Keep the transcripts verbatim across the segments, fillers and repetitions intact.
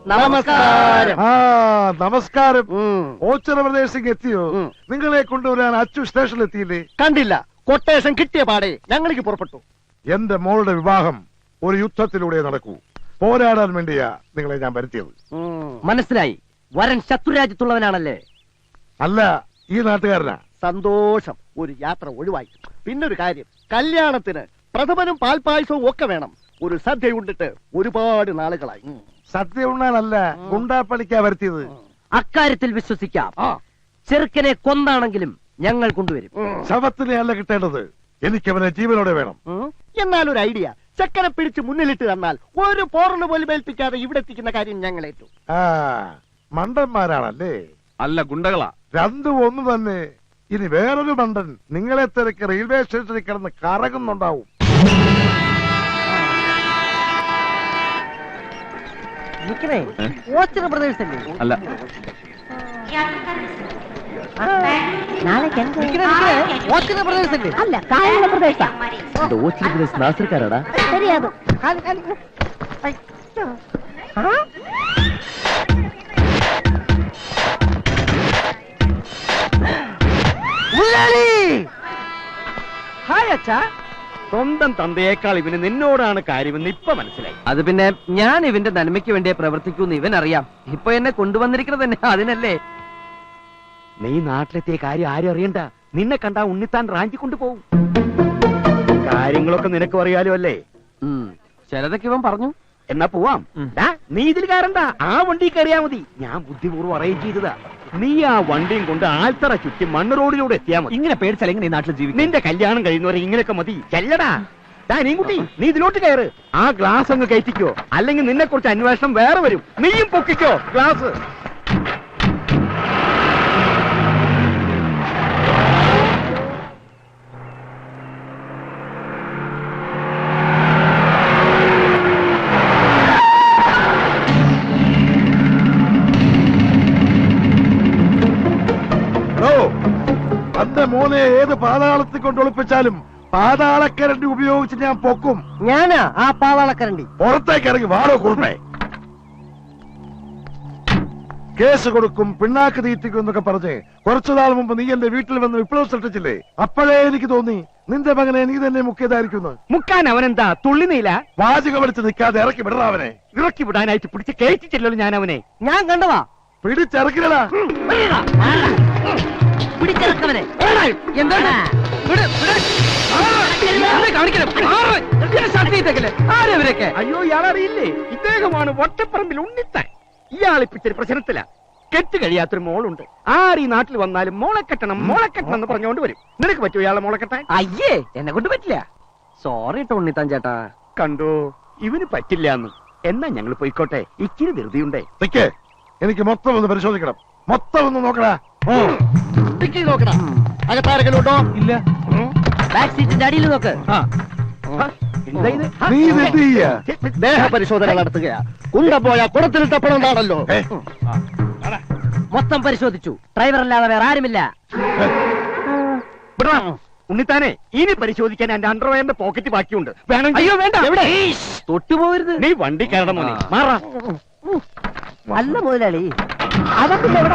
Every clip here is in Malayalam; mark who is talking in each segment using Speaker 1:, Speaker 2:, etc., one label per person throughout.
Speaker 1: നമസ്കാരം.
Speaker 2: ആ നമസ്കാരം. ഓച്ചിറ പ്രദേശത്തേക്ക് എത്തിയോ? നിങ്ങളെ കൊണ്ടുവരാൻ അച്ചു സ്റ്റേഷനിൽ എത്തിയില്ലേ?
Speaker 1: കണ്ടില്ല. കൊട്ടേഷൻ കിട്ടിയ പാടെ ഞങ്ങൾക്ക് പുറപ്പെട്ടു.
Speaker 2: എന്റെ മോളുടെ വിവാഹം ഒരു യുദ്ധത്തിലൂടെ നടക്കൂ. പോരാടാൻ വേണ്ടിയാ നിങ്ങളെ ഞാൻ വരുത്തിയത്.
Speaker 3: മനസ്സിലായി. വരൻ ശത്രുരാജ്യത്തുള്ളവനാണല്ലേ?
Speaker 2: അല്ല, ഈ നാട്ടുകാരനാ.
Speaker 1: സന്തോഷം. ഒരു യാത്ര ഒഴിവായി. പിന്നൊരു കാര്യം, കല്യാണത്തിന് പ്രഥമനും പാൽപായസവും ഒക്കെ വേണം. ഒരു സദ്യ ഉണ്ടിട്ട് ഒരുപാട് നാളുകളായി.
Speaker 2: സദ്യ ഉണ്ണാനല്ല, ഗുണ്ടാപ്പണിക്കാ വരുത്തിയത്.
Speaker 3: അക്കാര്യത്തിൽ വിശ്വസിക്കാം. ചെറുക്കനെ കൊന്നാണെങ്കിലും ഞങ്ങൾ കൊണ്ടുവരും.
Speaker 2: ശവത്തിനെ അല്ല കിട്ടേണ്ടത്, എനിക്കവനെ ജീവനോടെ വേണം.
Speaker 1: എന്നാലൊരു ഐഡിയ, ചെക്കനെ പിടിച്ച് മുന്നിലിട്ട് തന്നാൽ ഒരു പോറല് പോലും ഏൽപ്പിക്കാതെ ഇവിടെ എത്തിക്കുന്ന കാര്യം ഞങ്ങൾ ഏറ്റു.
Speaker 2: ആ മണ്ടന്മാരാണല്ലേ?
Speaker 4: അല്ല, ഗുണ്ടകളാ.
Speaker 2: രണ്ടും ഒന്ന് തന്നെ. ഇനി വേറൊരു മണ്ടൻ നിങ്ങളെ തിരക്ക് റെയിൽവേ സ്റ്റേഷനിൽ കിടന്ന് കറങ്ങുന്നുണ്ടാവും.
Speaker 4: അല്ല,
Speaker 3: നാസർക്കാരാടാ.
Speaker 1: ഹായ് അച്ഛാ. സ്വന്തം തന്തയേക്കാൾ ഇവന് നിന്നോടാണ് കാര്യമെന്ന് ഇപ്പൊ മനസ്സിലായി.
Speaker 3: അത് പിന്നെ ഞാൻ ഇവന്റെ നന്മയ്ക്ക് വേണ്ടിയേ പ്രവർത്തിക്കൂന്ന് ഇവൻ അറിയാം. ഇപ്പൊ എന്നെ കൊണ്ടുവന്നിരിക്കുന്നത് തന്നെ അതിനല്ലേ.
Speaker 1: നീ നാട്ടിലെത്തിയ കാര്യം ആരും അറിയണ്ട. നിന്നെ കണ്ടാ ഉണ്ണിത്താൻ റാഞ്ചി കൊണ്ടുപോകും. കാര്യങ്ങളൊക്കെ നിനക്ക് അറിയാലോ അല്ലേ?
Speaker 3: ചിലതൊക്കെ ഇവൻ പറഞ്ഞു.
Speaker 1: എന്നാ പോവാം. നീ ഇതിൽ കയറണ്ട, ആ വണ്ടി കയറിയാ മതി. ഞാൻ ബുദ്ധിപൂർവ്വം അറേഞ്ച് ചെയ്തതാ. നീ ആ വണ്ടിയും കൊണ്ട് ആൽത്തറ ചുറ്റി മണ്ണ് റോഡിലൂടെ എത്തിയാ മതി.
Speaker 3: ഇങ്ങനെ പേടിച്ചാൽ എങ്ങനെ നാട്ടിൽ ജീവിക്കും?
Speaker 1: നിന്റെ കല്യാണം കഴിയുന്നവരെ ഇങ്ങനെയൊക്കെ മതി. ചെല്ലടാ. നീ കുട്ടി, നീ ഇതിലോട്ട് കയറ്. ആ ഗ്ലാസ് അങ്ങ് കയറ്റിക്കോ, അല്ലെങ്കിൽ നിന്നെ കുറിച്ച് അന്വേഷണം വേറെ വരും. നീയും പൊക്കിക്കോ ഗ്ലാസ്.
Speaker 2: തന്റെ മോനെ ഏത് പാതാളത്തിൽ കൊണ്ട് ഒളിപ്പിച്ചാലും പാതാളക്കരണ്ടി ഉപയോഗിച്ച് ഞാൻ പൊക്കും.
Speaker 3: ഞാനാ ആ പാതാളക്കരണ്ടി.
Speaker 2: പുറത്തേക്ക് ഇറങ്ങി വാടോ കുറുമേ. കേസ് കൊടുക്കും, പിണ്ണാക്ക് തീറ്റിക്കും എന്നൊക്കെ പറഞ്ഞ് കുറച്ചു നാൾ മുമ്പ് നീ എന്റെ വീട്ടിൽ വന്ന് വിപ്ലവം സൃഷ്ടിച്ചില്ലേ? അപ്പോഴേ എനിക്ക് തോന്നി നിന്റെ മകനെ നീ തന്നെ മുക്കിയതായിരിക്കുന്നു.
Speaker 1: മുക്കാൻ അവനെന്താ തുള്ളിനീല?
Speaker 2: വാചകം അടിച്ച് നിൽക്കാതെ ഇറക്കി വിടണം അവനെ.
Speaker 1: ഇറക്കി വിടാനായിട്ട് പിടിച്ച് കയറ്റിച്ചില്ലല്ലോ ഞാൻ അവനെ.
Speaker 3: ഞാൻ കണ്ടതാ.
Speaker 2: പിടിച്ചിറക്കില്ലടാ.
Speaker 3: പിടിച്ചിറക്കവനെ. എന്താണ് ആരവരൊക്കെ?
Speaker 1: അയ്യോ, ഇയാളറിയില്ലേ? ഇദ്ദേഹമാണ് വട്ടപ്പറമ്പിൽ ഉണ്ണിത്താൻ. ഇയാളിപ്പിച്ചൊരു പ്രശ്നത്തില. കെട്ട് കഴിയാത്തൊരു മോളുണ്ട്. ആര് ഈ നാട്ടിൽ വന്നാലും മോളെ കെട്ടണം മോളെ കെട്ടണം എന്ന് പറഞ്ഞുകൊണ്ട് വരും. നിനക്ക് പറ്റുമോ ഇയാളെ മോളെ കെട്ടാൻ?
Speaker 3: അയ്യേ, എന്നെ കൊണ്ട് പറ്റില്ല. സോറി ട്ടോ ഉണ്ണിത്താൻ ചേട്ടാ.
Speaker 1: കണ്ടോ, ഇവന് പറ്റില്ല എന്ന്. എന്നാ ഞങ്ങൾ പോയിക്കോട്ടെ, ഇച്ചിരി ധൃതിയുണ്ടേ.
Speaker 2: എനിക്ക് മൊത്തം ഒന്ന് പരിശോധിക്കണം. മൊത്തം ഒന്ന് നോക്കടാ.
Speaker 1: നോക്കടാ. അകത്താരെങ്കിലും ഉണ്ടോ? ഇല്ല.
Speaker 3: ബാക്ക് സീറ്റിന്റെ അടിയിൽ നോക്ക്.
Speaker 1: ദേഹ പരിശോധന നടത്തുകയാ. കുണ്ട പോയാ കുടത്തിലിട്ടപ്പോഴാണല്ലോ.
Speaker 3: മൊത്തം പരിശോധിച്ചു. ഡ്രൈവർ അല്ലാതെ വേറെ ആരുമില്ല.
Speaker 1: ഉണ്ണിത്താനെ, ഇനി പരിശോധിക്കാൻ എന്റെ അണ്ടർവെയറിന്റെ പോക്കറ്റ് ബാക്കിയുണ്ട്. വേണം.
Speaker 3: അയ്യോ വേണ്ട.
Speaker 1: എവിടെ?
Speaker 3: തൊട്ടുപോകരുത്.
Speaker 1: നീ വണ്ടി കയറണം മോനെ. മാറാ.
Speaker 3: അല്ല മുതലാളി, അതൊക്കെ എവിടെ?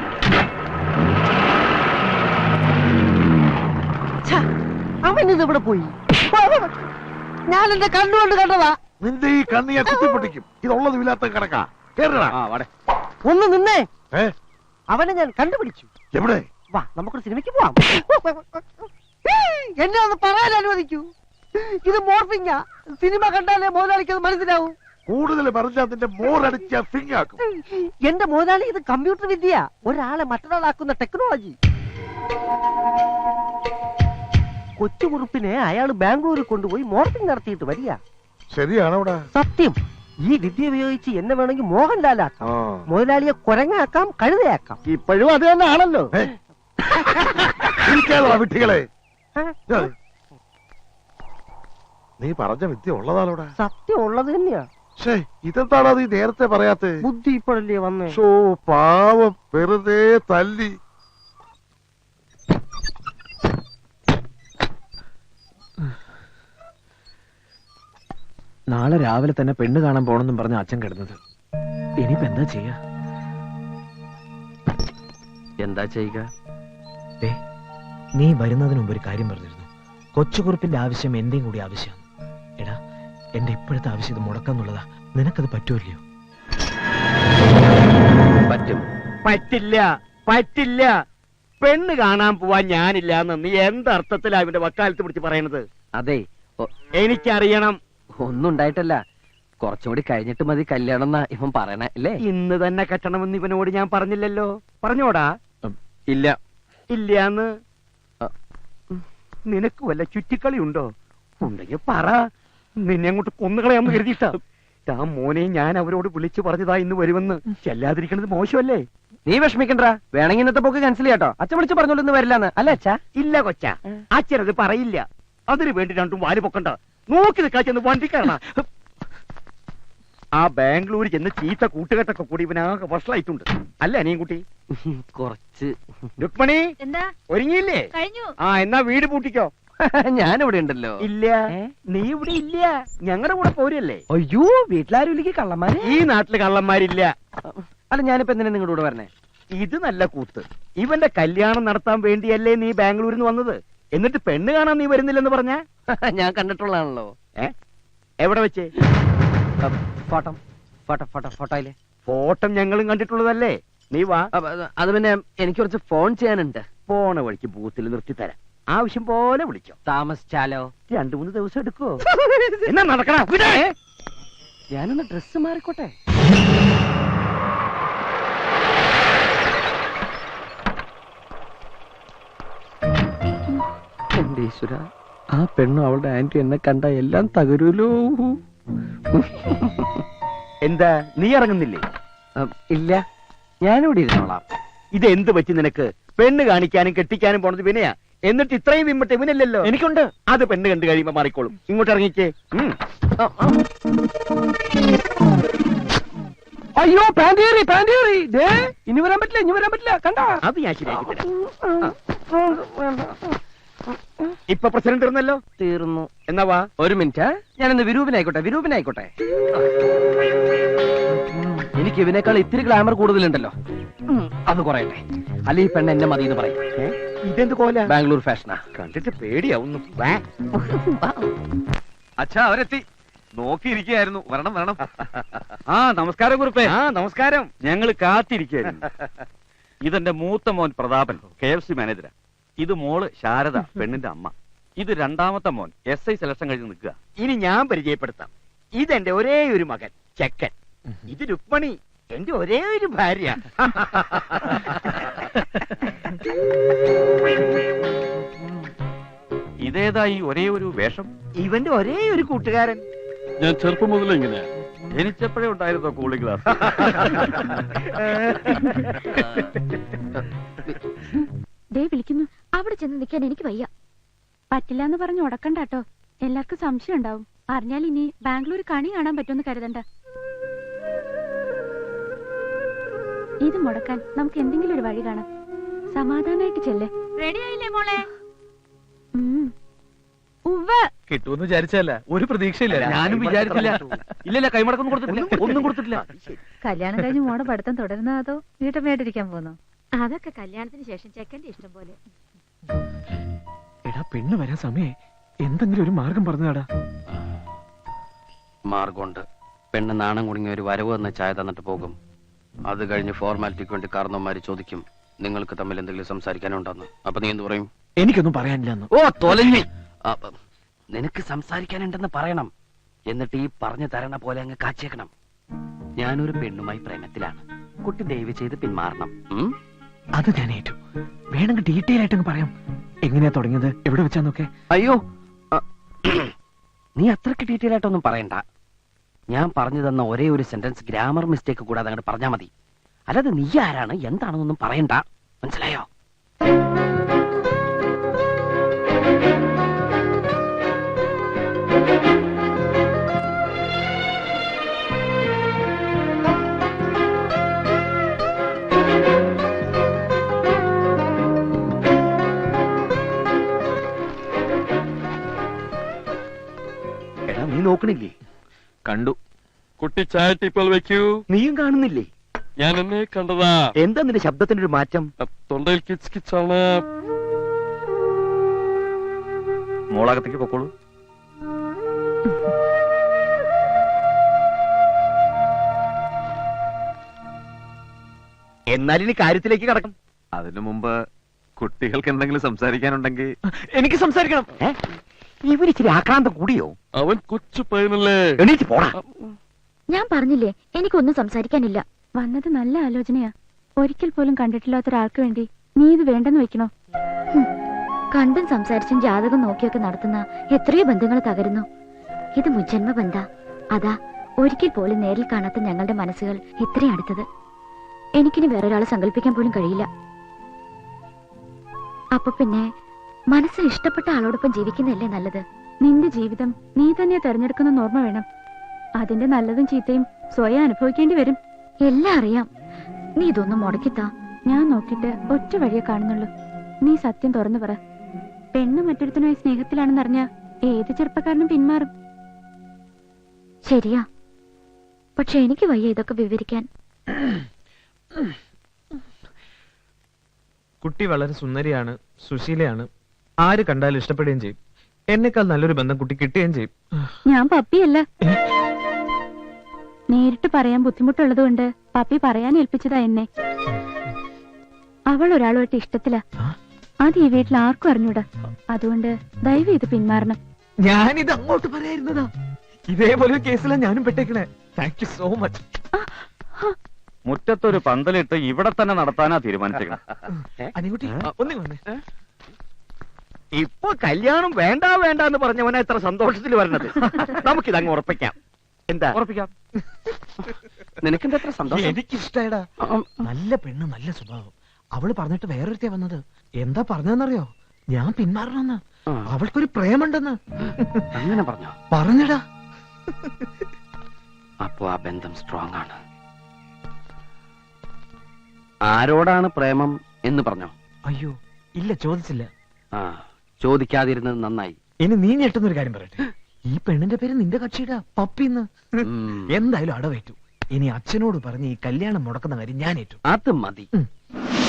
Speaker 3: അവൻ ഇതിവിടെ പോയി. ഞാൻ എന്റെ കണ്ണുകൊണ്ട് കണ്ടതാ.
Speaker 2: നിന്റെ ഈ കണ്ണിയെ കുത്തിപ്പൊട്ടിക്കും. ഇതുള്ളത് ഇല്ലാത്ത കിടക്കാ.
Speaker 3: ഒന്ന് നിന്നേ.
Speaker 2: ഏ
Speaker 3: അവനെ ഞാൻ കണ്ടുപിടിച്ചു.
Speaker 2: എവിടെ?
Speaker 3: വാ, നമുക്കൊരു സിനിമയ്ക്ക് പോവാം. എന്നെ ഒന്ന് പറയാൻ അനുവദിക്കൂ. ഇത് മോർഫിങ്ങാ. സിനിമ കണ്ടാലേ മുതലാളിക്ക് അത് മനസ്സിലാവും.
Speaker 2: കൂടുതൽ പറഞ്ഞാൽ നിന്റെ മോറടിച്ച ഫിങ്ങാക്കും.
Speaker 3: എന്റെ മുതലാളി, ഇത് കമ്പ്യൂട്ടർ വിദ്യ. ഒരാളെ മറ്റൊരാളാക്കുന്ന ടെക്നോളജി. കൊച്ചുകുറുപ്പിനെ അയാൾ ബാംഗ്ലൂരിൽ കൊണ്ടുപോയി മോർഫിംഗ് നടത്തിയിട്ട് വരിക.
Speaker 2: ശരിയാണോടാ?
Speaker 3: സത്യം. ഈ വിദ്യ ഉപയോഗിച്ച് എന്നെ വേണമെങ്കിൽ മോഹൻലാലാക്കാം, മുതലാളിയെ കുരങ്ങാക്കാം, കഴുതയാക്കാം.
Speaker 1: ഇപ്പോഴും അത് തന്നെ ആണല്ലോ.
Speaker 2: വിട്ടികളെ, നീ പറഞ്ഞ വിദ്യ ഉള്ളതാണോടാ?
Speaker 3: സത്യം ഉള്ളത് തന്നെയാ.
Speaker 2: ഇതെന്താണോ നീ നേരത്തെ പറയാത്ത?
Speaker 3: ബുദ്ധി ഇപ്പോഴല്ലേ വന്നേ.
Speaker 2: ഷോ പാവം, വെറുതെ തല്ലി.
Speaker 4: നാളെ രാവിലെ തന്നെ പെണ്ണ് കാണാൻ പോണെന്നും പറഞ്ഞ അച്ഛൻ കിടന്നത്.
Speaker 3: ഇനിയിപ്പോ എന്താ ചെയ്യാ?
Speaker 5: എന്താ ചെയ്യുക?
Speaker 3: നീ വരുന്നതിന് മുമ്പ് ഒരു കാര്യം പറഞ്ഞിരുന്നു. കൊച്ചുകുറുപ്പിന്റെ ആവശ്യം എന്റെയും കൂടി ആവശ്യമാണ്. എടാ, എന്റെ ഇപ്പോഴത്തെ ആവശ്യം ഇത് മുടക്കാന്നുള്ളതാ. നിനക്കത് പറ്റുമല്ലയോ?
Speaker 5: പറ്റും.
Speaker 1: പറ്റില്ല, പറ്റില്ല. പെണ്ണ് കാണാൻ പോവാൻ ഞാനില്ല എന്ന് നീ എന്തർത്ഥത്തിലാ ഇവന്റെ വക്കാലത്ത് പിടിച്ച് പറയണത്?
Speaker 5: അതെ,
Speaker 1: എനിക്കറിയണം.
Speaker 5: ഒന്നും ഉണ്ടായിട്ടല്ല. കുറച്ചുകൂടി കഴിഞ്ഞിട്ട് മതി കല്യാണം എന്നാ ഇവൻ പറയണേ അല്ലേ?
Speaker 1: ഇന്ന് തന്നെ കെട്ടണമെന്ന് ഇവനോട് ഞാൻ പറഞ്ഞില്ലല്ലോ. പറഞ്ഞോടാ?
Speaker 4: ഇല്ല.
Speaker 1: ഇല്ലാന്ന്. നിനക്ക് വല്ല ചുറ്റിക്കളി ഉണ്ടോ? ഉണ്ടെങ്കിൽ പറ. നിന്നെ അങ്ങോട്ട് കൊന്നുകളയാന്ന് കരുതിയിട്ടാ. ആ മോനെ ഞാൻ അവരോട് വിളിച്ചു പറഞ്ഞതാ ഇന്ന് വരുമെന്ന്. ചെല്ലാതിരിക്കണത് മോശമല്ലേ?
Speaker 5: നീ വിഷമിക്കണ്ട. വേണമെങ്കിൽ ഇന്നത്തെ പോക്ക് ക്യാൻസൽ ചെയ്യാട്ടോ. അച്ഛൻ വിളിച്ച് പറഞ്ഞോളൂ ഇന്ന് വരില്ലാന്ന്. അല്ല അച്ഛാ?
Speaker 1: ഇല്ല കൊച്ച, അച്ഛനത് പറയില്ല. അതിനു വേണ്ടി രണ്ടും വാല് പൊക്കണ്ട. നോക്കി നിൽക്കാ ചെന്ന് വണ്ടിക്കാരണ. ആ ബാംഗ്ലൂർ ചെന്ന് ചീത്ത കൂട്ടുകെട്ടൊക്കെ കൂടി ഇവനാകെ വഷളായിട്ടുണ്ട്. അല്ല അനിയൻകുട്ടി?
Speaker 5: കുറച്ച്.
Speaker 1: രുക്മണി,
Speaker 6: എന്താ
Speaker 1: ഒരുങ്ങിയില്ലേ?
Speaker 6: കഴിഞ്ഞു.
Speaker 1: ആ, എന്നാ വീട് പൂട്ടിക്കോ.
Speaker 5: ഞാനിവിടെ ഉണ്ടല്ലോ.
Speaker 1: ഇല്ല, നീ ഇവിടെ ഇല്ല. ഞങ്ങളുടെ കൂടെ പോരല്ലേ?
Speaker 5: അയ്യോ, വീട്ടിലാരും ഇല്ലെങ്കിൽ കള്ളന്മാര്.
Speaker 1: ഈ നാട്ടില് കള്ളന്മാരില്ല.
Speaker 5: അല്ല, ഞാനിപ്പോ എന്തിനാ നിങ്ങളുടെ കൂടെ വരണേ?
Speaker 1: ഇത് നല്ല കൂത്ത്. ഇവന്റെ കല്യാണം നടത്താൻ വേണ്ടിയല്ലേ നീ ബാംഗ്ലൂരിൽ നിന്ന് വന്നത്? എന്നിട്ട് പെണ്ണ് കാണാൻ നീ വരുന്നില്ലെന്ന് പറഞ്ഞ?
Speaker 5: ഞാൻ കണ്ടിട്ടുള്ളതാണല്ലോ.
Speaker 1: ഏ, എവിടെ വെച്ച്?
Speaker 5: ഫോട്ടോ ഫോട്ടോ ഫോട്ടോ ഫോട്ടോയില്.
Speaker 1: ഫോട്ടോ ഞങ്ങളും കണ്ടിട്ടുള്ളതല്ലേ. നീ വാ.
Speaker 5: അത് പിന്നെ എനിക്ക് കുറച്ച് ഫോൺ ചെയ്യാനുണ്ട്.
Speaker 1: പോണ വഴിക്ക് ബൂത്തിൽ നിർത്തി തരാം. ആവശ്യം പോലെ വിളിച്ചോ.
Speaker 5: താമസിച്ചാലോ?
Speaker 1: രണ്ടു മൂന്ന് ദിവസം എടുക്കോ? എന്നാ നടക്കണ.
Speaker 5: ഞാനൊന്ന് ഡ്രസ് മാറിക്കോട്ടെ. എന്റെ ഈശ്വര, ആ പെണ്ണും അവളുടെ ആന്റി എന്നെ കണ്ട എല്ലാം തകരൂലോ.
Speaker 1: എന്താ നീ ഇറങ്ങുന്നില്ലേ?
Speaker 5: ഇല്ല, ഞാനിവിടെ ഇരുന്നോളാം.
Speaker 1: ഇത് എന്ത് പറ്റി നിനക്ക്? പെണ്ണ് കാണിക്കാനും കെട്ടിക്കാനും പോണത് വിനയാ. എന്നിട്ട് ഇത്രയും വിമ്മട്ട് ഇവനല്ലല്ലോ.
Speaker 5: എനിക്കുണ്ട്.
Speaker 1: അത് പെണ്ണ് കണ്ടു കഴിയുമ്പോ മാറിക്കോളും. ഇങ്ങോട്ട് ഇറങ്ങിക്കേ.
Speaker 5: അയ്യോ, പാൻറ്റേറി പാൻറ്റേറി. ഇനി വരാൻ പറ്റില്ല, ഇനി വരാൻ പറ്റില്ല. കണ്ട,
Speaker 1: അത് ഞാൻ ശരിയാക്കി തരാം. ഇപ്പൊ പ്രസിഡന്റ് ഇരുന്നല്ലോ.
Speaker 5: തീർന്നു.
Speaker 1: എന്നാ വാ.
Speaker 5: ഒരു മിനിറ്റ്, ഞാനൊന്ന് വിരൂപനായിക്കോട്ടെ. വിരൂപനായിക്കോട്ടെ. എനിക്ക് ഇവനേക്കാൾ ഇത്തിരി ഗ്ലാമർ കൂടുതലുണ്ടല്ലോ. അത് കുറയട്ടെ. അല്ല, ഈ പെണ്ണ് എന്നെ മതി എന്ന് പറയും.
Speaker 1: ഇതെന്ത് കോല?
Speaker 5: ബാംഗ്ലൂർ ഫാഷനാ.
Speaker 1: കണ്ടിട്ട് പേടിയാവുന്നു.
Speaker 4: അച്ഛാ, അവരെത്തി. നോക്കിയിരിക്കുകയായിരുന്നു. വരണം വരണം. ആ, നമസ്കാരം കുറുപ്പേ.
Speaker 1: ആ, നമസ്കാരം.
Speaker 4: ഞങ്ങൾ കാത്തിരിക്കുകയായിരുന്നു. ഇതെന്റെ മൂത്ത മോൻ പ്രതാപൻ, കെ എഫ് സി മാനേജരാ. ഇത് മോള് ശാരദ, പെണ്ണിന്റെ അമ്മ. ഇത് രണ്ടാമത്തെ മോൻ, എസ് ഐ സെലക്ഷൻ കഴിഞ്ഞ് നിൽക്കുക.
Speaker 1: ഇനി ഞാൻ പരിചയപ്പെടുത്താം. ഇതെന്റെ ഒരേ ഒരു മകൻ ചെക്കൻ. ഇത് രുക്മണി, എന്റെ ഒരേ ഒരു ഭാര്യ.
Speaker 4: ഇതേതാ ഈ ഒരേ ഒരു വേഷം?
Speaker 1: ഇവന്റെ ഒരേ ഒരു കൂട്ടുകാരൻ.
Speaker 4: ഞാൻ ചെറുപ്പം മുതലേ ഇങ്ങനെയാ. ജനിച്ചപ്പോഴേ ഉണ്ടായിരുന്നോ കൂളിംഗ് ഗ്ലാസ്?
Speaker 6: ദേ വിളിക്കുന്നു. അവിടെ ചെന്ന് നിൽക്കാൻ എനിക്ക് വയ്യ. പറ്റില്ല എന്ന് പറഞ്ഞ് ഉടക്കണ്ടാട്ടോ. എല്ലാവർക്കും സംശയം ഉണ്ടാവും. അറിഞ്ഞാൽ ഇനി ബാംഗ്ലൂർ കണി കാണാൻ പറ്റുമെന്ന് കരുതണ്ട. ഇത് മുടക്കാൻ നമുക്ക് എന്തെങ്കിലും ഒരു വഴി കാണാം. സമാധാനായിട്ട് ചെല്ലേ. റെഡി ആയില്ലേ മോളെ?
Speaker 3: കിട്ടുമെന്ന് വിചാരിച്ചല്ല, ഒരു പ്രതീക്ഷയില്ല.
Speaker 4: ഞാനും വിചാരിച്ചില്ല. ഇല്ലല്ല, കൈമടക്കൊന്നും കൊടുത്തിട്ടില്ല. ഒന്നും കൊടുത്തിട്ടില്ല.
Speaker 6: കല്യാണം കഴിഞ്ഞ് മോടെ പഠിത്തം തുടരുന്നോ അതോ വീട്ടമ്മയായിട്ടിരിക്കാൻ പോകുന്നു? അതൊക്കെ കല്യാണത്തിന് ശേഷം ചെക്കന്റെ ഇഷ്ടം പോലെ.
Speaker 3: എടാ, പെണ്ണ് വരാൻ സമയേ. എന്തെങ്കിലും ഒരു മാർഗം പറഞ്ഞാടാ.
Speaker 5: മാർഗമുണ്ട്. പെണ്ണ് നാണം കുടുങ്ങിയ ഒരു വരവ് എന്ന ചായ തന്നിട്ട് പോകും. അത് കഴിഞ്ഞ് ഫോർമാലിറ്റിക്ക് വേണ്ടി കാരണവന്മാര് ചോദിക്കും, നിങ്ങൾക്ക് തമ്മിൽ എന്തെങ്കിലും സംസാരിക്കാനുണ്ടെന്ന്. അപ്പൊ നീ എന്ത് പറയും?
Speaker 3: എനിക്കൊന്നും പറയാനില്ലെന്ന്.
Speaker 5: ഓ, തൊലഞ്ഞി. നിനക്ക് സംസാരിക്കാനുണ്ടെന്ന് പറയണം. എന്നിട്ട് ഈ പറഞ്ഞു തരണ പോലെ അങ്ങ് കാച്ചേക്കണം. ഞാനൊരു പെണ്ണുമായി പ്രേമത്തിലാണ്. കുട്ടി ദയവ് ചെയ്ത് പിന്മാറണം.
Speaker 3: അത് ഞാൻ ഏറ്റു. വേണമെങ്കിൽ ഡീറ്റെയിൽ ആയിട്ടങ്ങ് പറയാം. എങ്ങനെയാ തുടങ്ങിയത്, എവിടെ വെച്ചാന്നൊക്കെ.
Speaker 5: അയ്യോ, നീ അത്രക്ക് ഡീറ്റെയിൽ ആയിട്ടൊന്നും പറയണ്ട. ഞാൻ പറഞ്ഞു തന്ന ഒരേ ഒരു സെന്റൻസ് ഗ്രാമർ മിസ്റ്റേക്ക് കൂടാതെ അങ്ങോട്ട് പറഞ്ഞാൽ മതി. അല്ലാതെ നീ ആരാണ് എന്താണെന്നൊന്നും പറയണ്ട. മനസ്സിലായോ?
Speaker 1: എടാ, നീ നോക്കണില്ലേ?
Speaker 4: കണ്ടു.
Speaker 7: കുട്ടി ചായ ടീപ്പോൾ വെക്കൂ.
Speaker 1: നീയും കാണുന്നില്ലേ?
Speaker 7: ഞാൻ എന്നെ കണ്ടതാ.
Speaker 1: എന്താ നിന്റെ ശബ്ദത്തിന്റെ ഒരു മാറ്റം?
Speaker 7: തൊണ്ടയിൽ കിച്ച് കിച്ചാണ്.
Speaker 4: മോളകത്തേക്ക് പൊക്കോളൂ.
Speaker 1: എന്നാൽ ഇനി കാര്യത്തിലേക്ക് കടക്കും.
Speaker 8: അതിനു മുമ്പ് കുട്ടികൾക്ക് എന്തെങ്കിലും സംസാരിക്കാനുണ്ടെങ്കിൽ
Speaker 3: എനിക്ക് സംസാരിക്കണം.
Speaker 1: ഇവരിച്ചിരി ആക്രാന്തം കൂടിയോ?
Speaker 7: അവൻ കൊച്ചു പയ്യനല്ലേ.
Speaker 1: എണീറ്റ് പോടാ.
Speaker 6: ഞാൻ പറഞ്ഞില്ലേ എനിക്കൊന്നും സംസാരിക്കാനില്ല. വന്നത് നല്ല ആലോചനയാ. ഒരിക്കൽ പോലും കണ്ടിട്ടില്ലാത്ത ഒരാൾക്ക് വേണ്ടി നീ ഇത് വേണ്ടെന്ന് വെക്കണോ? ഹും. കണ്ടും സംസാരിച്ചും ജാതകം നോക്കിയൊക്കെ നടത്തുന്ന എത്രയോ ബന്ധങ്ങൾ തകരുന്നു. ഇത് മുജ്ജന്മ ബന്ധ. അതാ ഒരിക്കൽ പോലും നേരിൽ കാണാത്ത ഞങ്ങളുടെ മനസ്സുകൾ ഇത്രയും അടുത്തത്. എനിക്കിനി വേറൊരാളെ സങ്കല്പിക്കാൻ പോലും കഴിയില്ല. അപ്പൊ പിന്നെ മനസ്സിൽ ഇഷ്ടപ്പെട്ട ആളോടൊപ്പം ജീവിക്കുന്നതല്ലേ നല്ലത്? നിന്റെ ജീവിതം നീ തന്നെ തെരഞ്ഞെടുക്കുന്ന ഓർമ്മ വേണം. അതിന്റെ നല്ലതും ചീത്തയും സ്വയം അനുഭവിക്കേണ്ടി വരും. എല്ലാം അറിയാം. നീ ഇതൊന്നും മുടക്കിത്താ. ഞാൻ നോക്കിട്ട് ഒറ്റ വഴിയെ കാണുന്നുള്ളൂ. നീ സത്യം തുറന്നു പറ. പെണ്ണ് മറ്റൊരുത്തനുമായി സ്നേഹത്തിലാണെന്നറിഞ്ഞ ഏത് ചെറുപ്പക്കാരനും പിന്മാറും. ശരിയാ, പക്ഷെ എനിക്ക് വയ്യ ഇതൊക്കെ വിവരിക്കാൻ.
Speaker 3: കുട്ടി വളരെ സുന്ദരിയാണ്, സുശീലയാണ്. ആര് കണ്ടാലും ഇഷ്ടപ്പെടുകയും ചെയ്യും. എന്നെക്കാൾ നല്ലൊരു ബന്ധം കുട്ടി കിട്ടുകയും ചെയ്യും.
Speaker 6: ഞാൻ പപ്പിയല്ല. നേരിട്ട് പറയാൻ ബുദ്ധിമുട്ടുള്ളത് കൊണ്ട് പപ്പി പറയാൻ ഏൽപ്പിച്ചതാ എന്നെ. അവൾ ഒരാളുമായിട്ട് ഇഷ്ടത്തില. അത് ഈ വീട്ടിൽ ആർക്കും അറിഞ്ഞൂടാ. അതുകൊണ്ട് ദയവ് ഇത് പിന്മാറണം.
Speaker 3: ഞാനിത് അങ്ങോട്ട് പറയായിരുന്നതാ. ഇതേപോലെ ഒരു കേസിലാണ് ഞാനും പെട്ടേക്കണേ. Thank you so much.
Speaker 4: മുറ്റത്തൊരു പന്തലിട്ട് ഇവിടെ തന്നെ നടത്താനാ തീരുമാനിച്ചേക്കണം.
Speaker 3: അനികുട്ടി ഒന്നേ വന്നേ.
Speaker 1: ഇപ്പൊ കല്യാണം വേണ്ട വേണ്ട എന്ന് പറഞ്ഞവനാ ഇത്ര സന്തോഷത്തിൽ വരണത്. നമുക്കിത് അങ്ങ് ഉറപ്പിക്കാം. എന്താ?
Speaker 4: ഉറപ്പിക്കാം.
Speaker 5: നിനക്കെന്താ എത്ര സന്തോഷം?
Speaker 3: എനിക്കിഷ്ടായടാ. നല്ല പെണ്ണ്, നല്ല സ്വഭാവം. അവള് പറഞ്ഞിട്ട് വേറൊരുത്തേ വന്നത്. എന്താ പറഞ്ഞെന്നറിയോ? ഞാൻ പിന്മാറണമെന്ന്.
Speaker 5: ആ.
Speaker 3: അവൾക്കൊരു പ്രേമുണ്ടെന്ന്
Speaker 5: അങ്ങനെ പറഞ്ഞോ?
Speaker 3: പറഞ്ഞടാ.
Speaker 5: അപ്പൊ ആ ബന്ധം സ്ട്രോങ് ആണ്. ആരോടാണ് പ്രേമം എന്ന് പറഞ്ഞോ?
Speaker 3: അയ്യോ ഇല്ല, ചോദിച്ചില്ല.
Speaker 5: ആ, ചോദിക്കാതിരുന്നത് നന്നായി.
Speaker 3: ഇനി നീ ഞെട്ടുന്നൊരു കാര്യം പറയട്ടെ. ഈ പെണ്ണിന്റെ പേര് നിന്റെ കക്ഷിയുടെ പപ്പിന്ന്.
Speaker 5: ഉം.
Speaker 3: എന്തായാലും അടവേറ്റു. ഇനി അച്ഛനോട് പറഞ്ഞ് ഈ കല്യാണം മുടക്കുന്ന കാര്യം ഞാൻ ഏറ്റു.
Speaker 5: അത് മതി.
Speaker 3: ഉം.